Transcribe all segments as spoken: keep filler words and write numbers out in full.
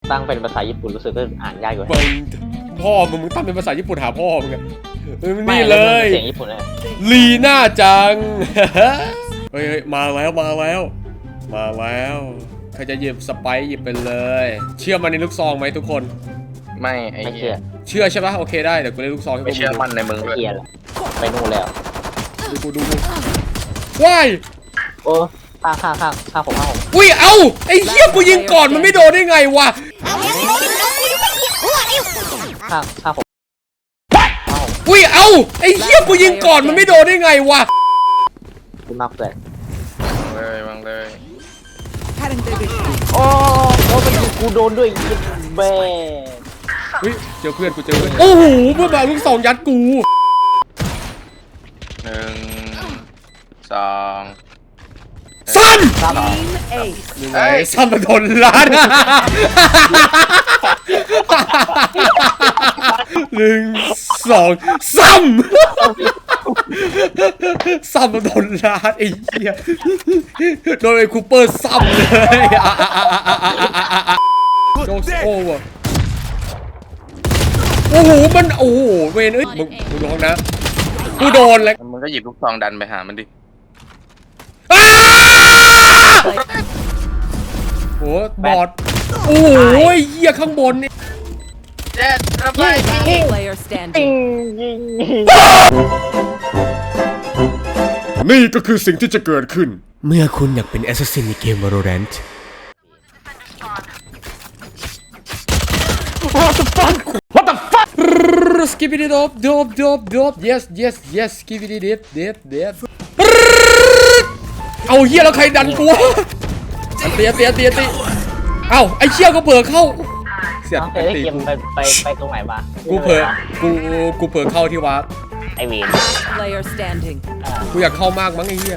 ตั้งเป็นภาษาญี่ปุ่นรู้สึกก็อ่านยากอยู่พ่อมึงมึงตั้งเป็นภาษาญี่ปุ่นหาพ่อมึงอะนี่นี่เลยเสียงญี่ปุ่นเลยลีน่าจัง เฮ้ยมาแล้วมาแล้ว มาแล้วใครจะหยิบสไปซ์หยิบไปเลย เชื่อมันในลูกซองไหมทุกคนไม่ไอ้ไม่เหี้เชื่ยอเชื่อใช่ปะโอเคได้เดี๋ยวกูเล่นลูกซองให้พวไม่กมึงเชื่อดูมั่นในมึงไม่ด้วยเชื่อแล้วไปนู่นแล้วดูกูดูกูว้ายโอ้ข้างข้างข้างข้างผมข้างผมอุ้ยเอ้าไอ้เหี้ยกูยิงก่อนมันไม่โดนได้ไงวะข้างข้างผมอุ้ยเอ้าไอ้เหี้ยกูยิงก่อนมันไม่โดนได้ไงวะคุณมากเกินเลยวางเลยโอ้โหมันยิงกูโดนด้วยยิงแม่เฮ้ยเจอเพื่อนกูเจอเพื่อนโอ้โหเพื่อนมาลูกซองยัดกูหนึ่งสองสั้นครับยังไงสั้นมาโดนล้าน หนึ่งสองซ้ำซ้ำมาโดนล้านไอ้เหี้ยโดนไอ้คูเปอร์ซ้ำเลยโจโอ้ว่ะโอ้โหมันโอ้โหเวนเอ้ยมึงมึงโดนนะกูโดนแล้วมึงก็หยิบลูกซองดันไปหามันดิโอ้บอดโอ้ยเหี้ยข้างบนนี่เจ็ดระบาย Player ยิ standing. งยิงนี่ก็คือสิ่งที่จะเกิดขึ้นเมื่อคุณอยากเป็นแอสซัสซินในเกม Valorant What the fuck What the fuck Skibidi dop dop dop dop Yes yes yes Skibidi dip dip dip เอาเหี้ยแล้วใครดันกูอันเตียเตียเตียตีเอ้าไอ้เชี่ยก็เผลอเข้าเสียน้องเคยได้เกมไปไปไปตรงไหนมากูเผลอกูกูเผลอเข้าที่วาร์ปไอวีน Player standing. กูอยากเข้ามากมั้งไอ้เหี้ย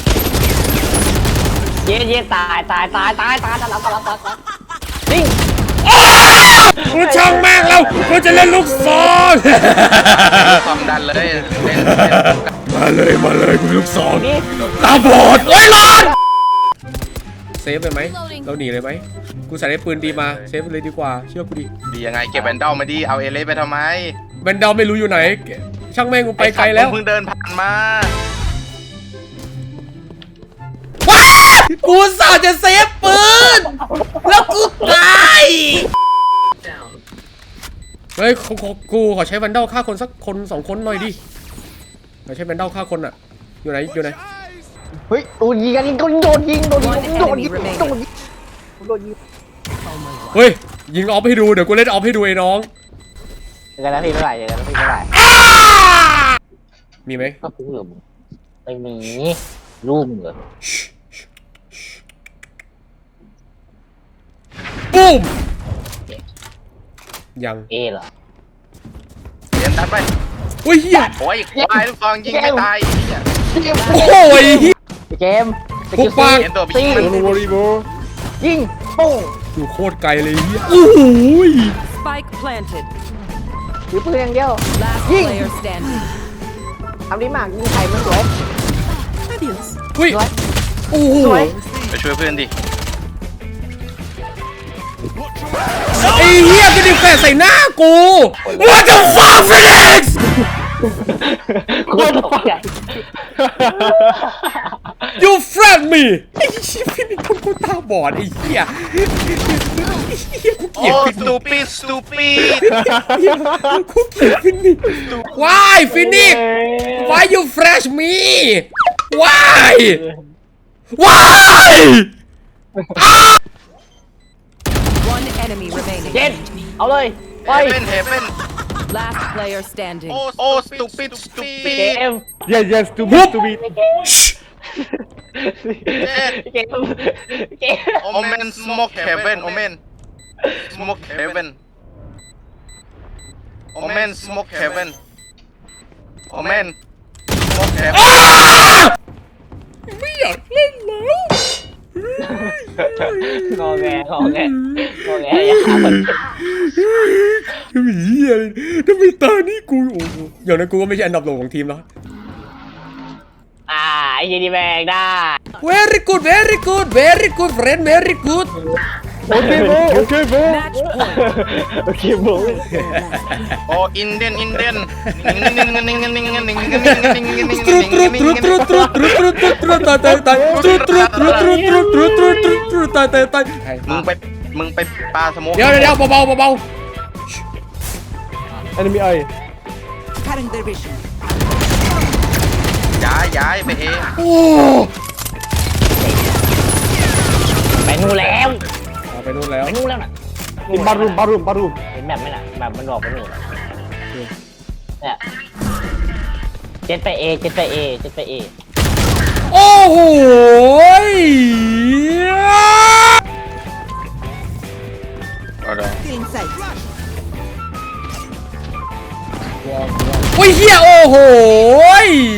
เย้เย้ตายตายตายตายตายตายตายตายตายตายยิงกูช่างแม่งแล้วกูจะเล่นลูกซองซองดันเลยเล่นมาเลยมาเลยกูลูกซองนี่ตาบอดโอ้ยร้อนเซฟเลยไหมเราหนีเลยไหมกูใส่ได้ปืนดีมาเซฟเลยดีกว่าเชื่อกูดิดียังไงเก็บแบนเดลมาดิเอาเอเลสไปทำไมแบนเดาไม่รู้อยู่ไหนช่างแม่งกูไปไกลแล้วเพิ่งเดินผ่านมาว้ากูสาจะเซฟปืนแล้วกูตายเฮ้ยขอขอกูขอใช้แบนเดาฆ่าคนสักคนสองคนหน่อยดิขอใช้แบนเดาฆ่าคนอะอยู่ไหนอยู่ไหนเฮ้ยโดนยิงกันยิงโดนโดนยิงโดนยิงโดนยิงโดนยิงโดนยิงเฮ้ยยิงออฟให้ดูเดี๋ยวกูเล่นออฟให้ดูไอ้น้องเจอกันนะพี่เมื่อไหร่เจอกันนะพี่เมื่อไหร่มีไหมก็คือไม่มีรูปเหรอปุ้มยังเอเหรอเรียนดันไปโอ้ยเฮียโอ้ยควายลูกซองยิงไม่ตายไอ้เหี้ยโอ้ยเฮียเกมพวกปังเห็นตัวไปยิงมันยิงปุ้งอยู่โคตรไกลเลยเฮียโอ้โห Spike planted. ถือปืนอย่างเดียว Last Ying. player standing. ทำดีมากยิงไข่มันสวยเฮ้ยสวยโอ้โหสวยไปช่วยเพื่อนดิไอ้เฮียก็ดิแฟนใส่หน้ากู What the fuck Felix โคตรตกใจ You friend me ไอ้ชิฟินิคนกูตาบอดไอ้เหี้ยเหี้ยกูเกลียโอ้ดฟิสนิตูปิดสตูปิดกูเกลียดฟินิ Why ฟินิ Why you fresh me Why Why One enemy เจ็ด remaining. เอาเลยเฮไปเว่นเฮเว่น Last player standing. โอ้โอ้สตูปิดสตูปิเกดม Yes, yes, to be, to be. เกมเกมโอเมนสโมกเฮเว่นโอเมนสโมกเฮเว่นโอเมนสโมกเฮเว่นโอเมนสโมกเฮเว่นไม่อยากเล่นแล้วงอแงงอแงงอแงอย่าหามันทำไมเหี้ยเลยทำไมตานี่กูโอ้โหอย่างนั้นกูก็ไม่ใช่อันดับโหลของทีมแล้วอ่าไอ้ยีดีแบงได้ Very good very good very good friend very good โอเคโบโอเคโบ Match point. โอเคโบโอ้อินเดียนอินเดียนตรุดตรุดตรุดตรุดตรุดตรุดตรุดตรุดตรุดตายตายตายตรุดตรุดตรุดตรุดตรุดตรุดตรุดตรุดตรุดตายตายตายมึงไปมึงไปปาสโมกเดี๋ยวเดี๋ยวเบาเบาเบาอันนี้มีไอ Cutting their vision. ย้ายย้ายไปเองโอ้ไปนู่นแล้วไปนู่นแล้วไปนู่นแล้วน่ะนี่บารูมบารูมบารูมเห็นแบบไหมน่ะแบบมันบอกไปนู่นน่ะเนี่ยเจ็ดไปเอเจ็ดไปเอเจ็ดไปเอโอ้โหเอาเดี๋ยว Feeling safe. โอ้ยเฮียโอ้โห